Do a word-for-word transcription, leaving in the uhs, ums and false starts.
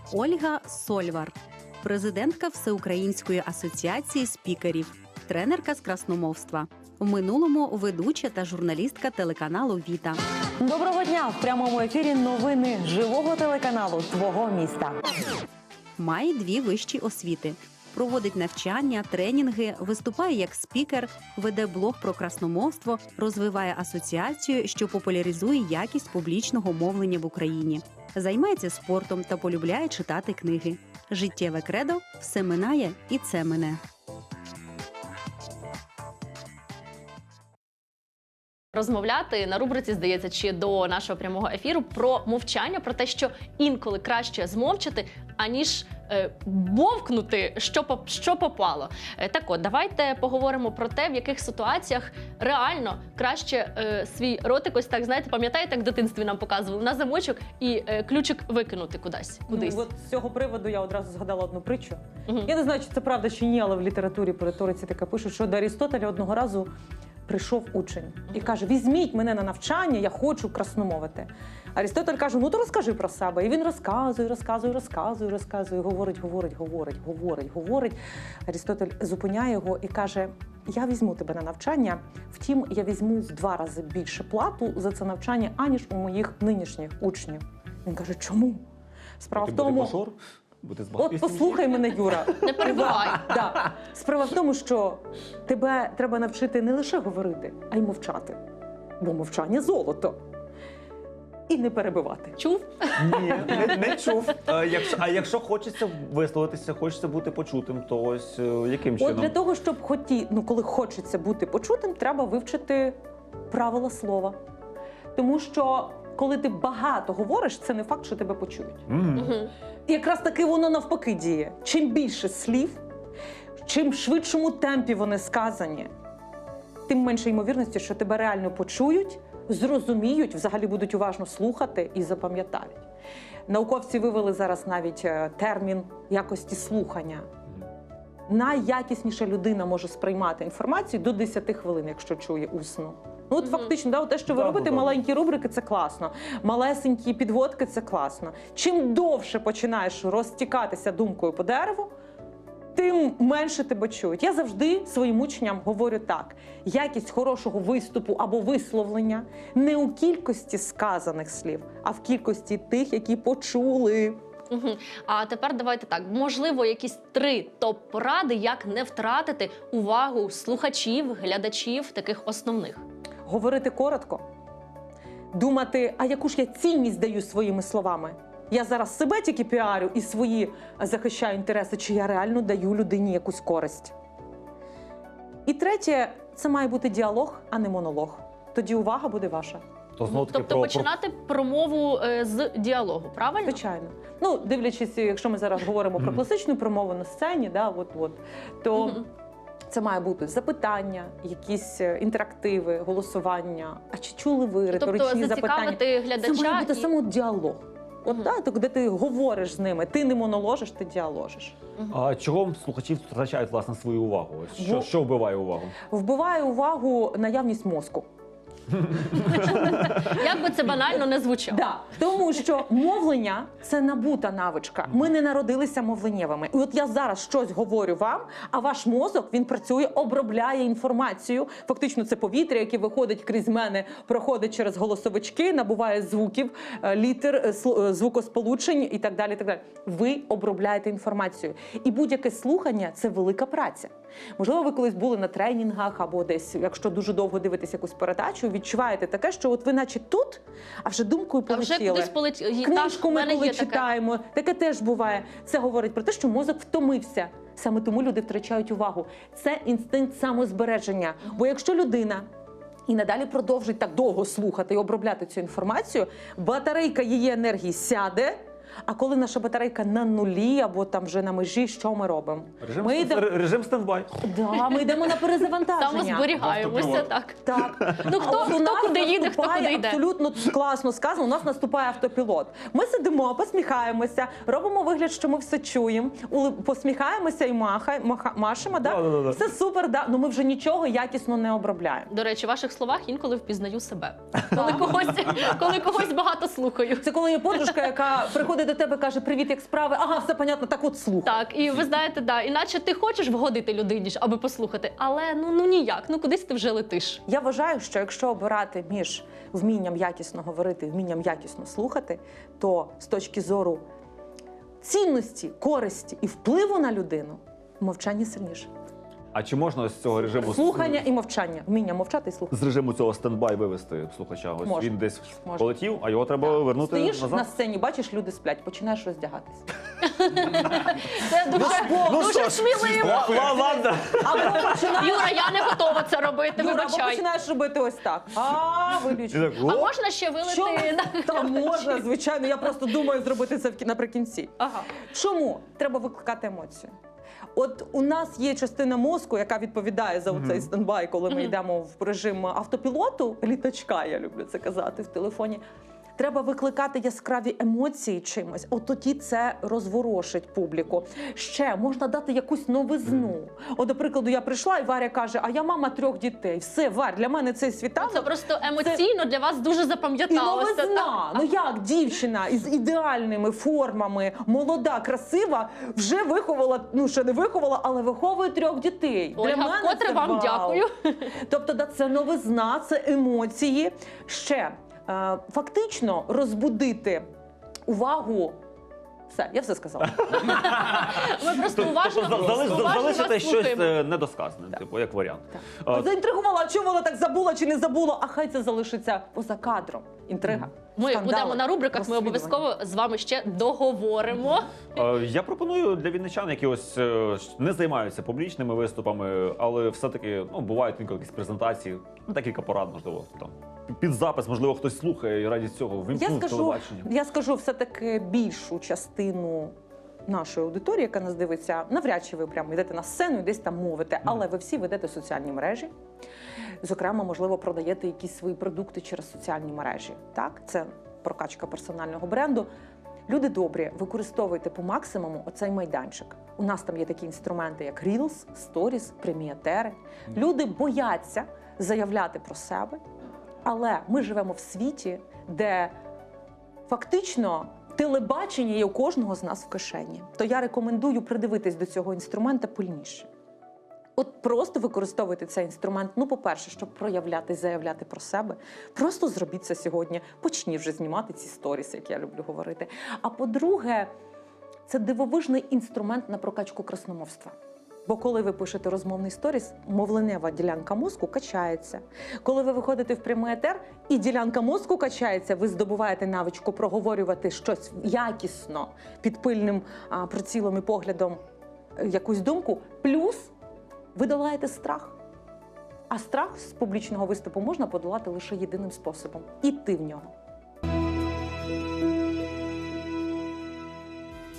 Ольга Сольвар, президентка Всеукраїнської асоціації спікерів, тренерка з красномовства. В минулому ведуча та журналістка телеканалу «Віта». Доброго дня! В прямому ефірі новини живого телеканалу «Твого міста». Має дві вищі освіти. Проводить навчання, тренінги, виступає як спікер, веде блог про красномовство, розвиває асоціацію, що популяризує якість публічного мовлення в Україні. Займається спортом та полюбляє читати книги. Життєве кредо – все минає і це мине. Розмовляти на рубриці, здається, чи до нашого прямого ефіру про мовчання, про те, що інколи краще змовчати, аніж е, бовкнути, що, поп, що попало. Е, так от, давайте поговоримо про те, в яких ситуаціях реально краще е, свій ротик, ось так, знаєте, пам'ятаєте, як в дитинстві нам показували, на замочок і е, ключик викинути кудись. кудись. Ну, от з цього приводу я одразу згадала одну притчу. Угу. Я не знаю, чи це правда чи ні, але в літературі, по риториці таке пишуть, що до Арістотеля одного разу прийшов учень і каже: візьміть мене на навчання, я хочу красномовити. Арістотель каже: ну то розкажи про себе. І він розказує, розказує, розказує, розказує, говорить, говорить, говорить, говорить, говорить. Арістотель зупиняє його і каже: я візьму тебе на навчання, втім, я візьму в два рази більше плату за це навчання, аніж у моїх нинішніх учнів. Він каже: чому? Справа в тому... От послухай мене, Юра. Не перебивай. Да. Справа в тому, що тебе треба навчити не лише говорити, а й мовчати. Бо мовчання – золото. І не перебивати. Чув? Ні, не, не чув. А якщо, а якщо хочеться висловитися, хочеться бути почутим, то ось яким чином? От для того, щоб хоті, ну, коли хочеться бути почутим, треба вивчити правила слова. Тому що коли ти багато говориш, це не факт, що тебе почують. Mm. Угу. І якраз таки воно навпаки діє. Чим більше слів, чим швидшому темпі вони сказані, тим менше ймовірності, що тебе реально почують, зрозуміють, взагалі будуть уважно слухати і запам'ятають. Науковці вивели зараз навіть термін якості слухання. Найякісніша людина може сприймати інформацію до десяти хвилин, якщо чує усно. Ну, от Мгм. фактично, да, от те, що ви Да, робите, да, да. маленькі рубрики – це класно. Малесенькі підводки – це класно. Чим довше починаєш розтікатися думкою по дереву, тим менше тебе чують. Я завжди своїм учням говорю так: якість хорошого виступу або висловлення не у кількості сказаних слів, а в кількості тих, які почули. Угу. А тепер давайте так, можливо, якісь три топ-поради, як не втратити увагу слухачів, глядачів, таких основних. Говорити коротко, думати, а яку ж я цінність даю своїми словами. Я зараз себе тільки піарю і свої захищаю інтереси, чи я реально даю людині якусь користь. І третє, це має бути діалог, а не монолог. Тоді увага буде ваша. То знову таки Тобто про, починати промову е, з діалогу, правильно? Звичайно. Ну, дивлячись, якщо ми зараз говоримо про класичну промову на сцені, да, от, от, то Мгм. це має бути запитання, якісь е, інтерактиви, голосування. А чи чули ви риторичні Тобто запитання? зацікавити глядача. Це має бути і- саме діалог. От, Мгм. да, так, де ти говориш з ними, ти не моноложиш, ти діаложиш. А чого слухачі втрачають, власне, свою увагу? Ось Що, Бо- що вбиває увагу? Вбиває увагу наявність мозку. Як би це банально не звучало. Да. Тому що мовлення – це набута навичка. Ми не народилися мовленнєвими. І от я зараз щось говорю вам, а ваш мозок, він працює, обробляє інформацію. Фактично це повітря, яке виходить крізь мене, проходить через голосовички, набуває звуків, е, літер, е, слу- е, звукосполучень і так далі, і так далі. Ви обробляєте інформацію. І будь-яке слухання – це велика праця. Можливо, ви колись були на тренінгах або десь, якщо дуже довго дивитесь якусь передачу, відчуваєте таке, що от ви наче тут, а вже думкою А вже полетіли. кудись полетіли. Книжку ми коли читаємо, таке теж буває. Це говорить про те, що мозок втомився. Саме тому люди втрачають увагу. Це інстинкт самозбереження. Бо якщо людина і надалі продовжить так довго слухати і обробляти цю інформацію, батарейка її енергії сяде. А коли наша батарейка на нулі або там вже на межі, що ми робимо? Режим, Ми йдемо, режим стендбай. да, ми йдемо на перезавантаження. Самозберігаємося, Автопілот. так. Так. Ну, хто- А от у хто нас куди їде, хто наступає, куди йде. абсолютно класно сказано, у нас наступає автопілот. Ми сидимо, посміхаємося, робимо вигляд, що ми все чуємо, ули- посміхаємося і махай, маха, машемо, да? Да-да-да. Все супер, да? Ну ми вже нічого якісно не обробляємо. До речі, в ваших словах інколи впізнаю себе. Коли когось, коли когось багато слухаю. Це коли є подружка, яка приходить підходить до тебе, каже, привіт, як справи? Ага, все понятно, так от слухай. Так, і ви знаєте, да, іначе ти хочеш вгодити людині, ж, аби послухати, але ну, ну ніяк, ну кудись ти вже летиш. Я вважаю, що якщо обирати між вмінням якісно говорити і вмінням якісно слухати, то з точки зору цінності, користі і впливу на людину мовчання сильніше. А чи можна з цього режиму Слухання і мовчання. Вміння мовчати і слухати. з режиму цього стендбай вивести слухача? Ось Можна. він десь Можна. полетів, а його треба вернути Стоїш назад. на сцені, бачиш, люди сплять, починаєш роздягатись. Це дуже, Ну, дуже сміливо. Ла- ла- Ладно. Або починаєш, Юра, я не готова це робити, Юра, або вибачай. починаєш робити ось так. А, І виключно. так, А «О!» можна ще вилити Що? на... Та можна, звичайно. Я просто думаю зробити це в кі- наприкінці. Ага. Чому? Треба викликати емоцію. От у нас є частина мозку, яка відповідає за Мгм. цей стендбай, коли ми Мгм. йдемо в режим автопілоту, літачка, я люблю це казати в телефоні. Треба викликати яскраві емоції чимось. От тоді це розворошить публіку. Ще можна дати якусь новизну. От, до прикладу, я прийшла, і Варя каже: а я мама трьох дітей. Все, Варя, для мене цей світанок. Це просто емоційно для вас дуже І запам'яталося. так? новизна. Ну як дівчина із ідеальними формами, молода, красива, вже виховала, ну ще не виховала, але виховує трьох дітей. Ольга, вкотре це вам вау. дякую. Тобто, да, це новизна, це емоції. Ще е, фактично розбудити увагу. Все, я все сказала. Ми просто уважно, Тобто за- залиш- уважно залишити вас щось слухаємо. е, недосказане, типу, як варіант. А, Заінтригувала, чому вона так забула чи не забула, а хай це залишиться поза кадром. Інтрига. Ми скандали, будемо на рубриках, ми розслідування. обов'язково з вами ще договоримо. Е, Я пропоную для вінничан, які ось е, не займаються публічними виступами, але все-таки ну, бувають інколи якісь презентації, ну, декілька порад, можливо, там. Під запис, можливо, хтось слухає і раді цього Я вимкнув скажу, телебачення. я скажу все-таки більшу частину нашої аудиторії, яка нас дивиться, навряд чи ви прямо йдете на сцену і десь там мовите, але ви всі ведете соціальні мережі. Зокрема, можливо, продаєте якісь свої продукти через соціальні мережі. Так, це прокачка персонального бренду. Люди добрі, використовуйте по максимуму оцей майданчик. У нас там є такі інструменти, як Reels, Stories, преміатери. Люди бояться заявляти про себе, але ми живемо в світі, де фактично телебачення є у кожного з нас в кишені. То я рекомендую придивитись до цього інструмента пильніше. От просто використовуйте цей інструмент, ну, по-перше, щоб проявляти, заявляти про себе. Просто зробіть це сьогодні. Почніть вже знімати ці сторіси, як я люблю говорити. А по-друге, це дивовижний інструмент на прокачку красномовства. Бо коли ви пишете розмовний сторіс, мовленева ділянка мозку качається. Коли ви виходите в прямий етер, і ділянка мозку качається, ви здобуваєте навичку проговорювати щось якісно, під пильним а, прицілом і поглядом е, якусь думку, плюс ви долаєте страх. А страх з публічного виступу можна подолати лише єдиним способом – іти в нього.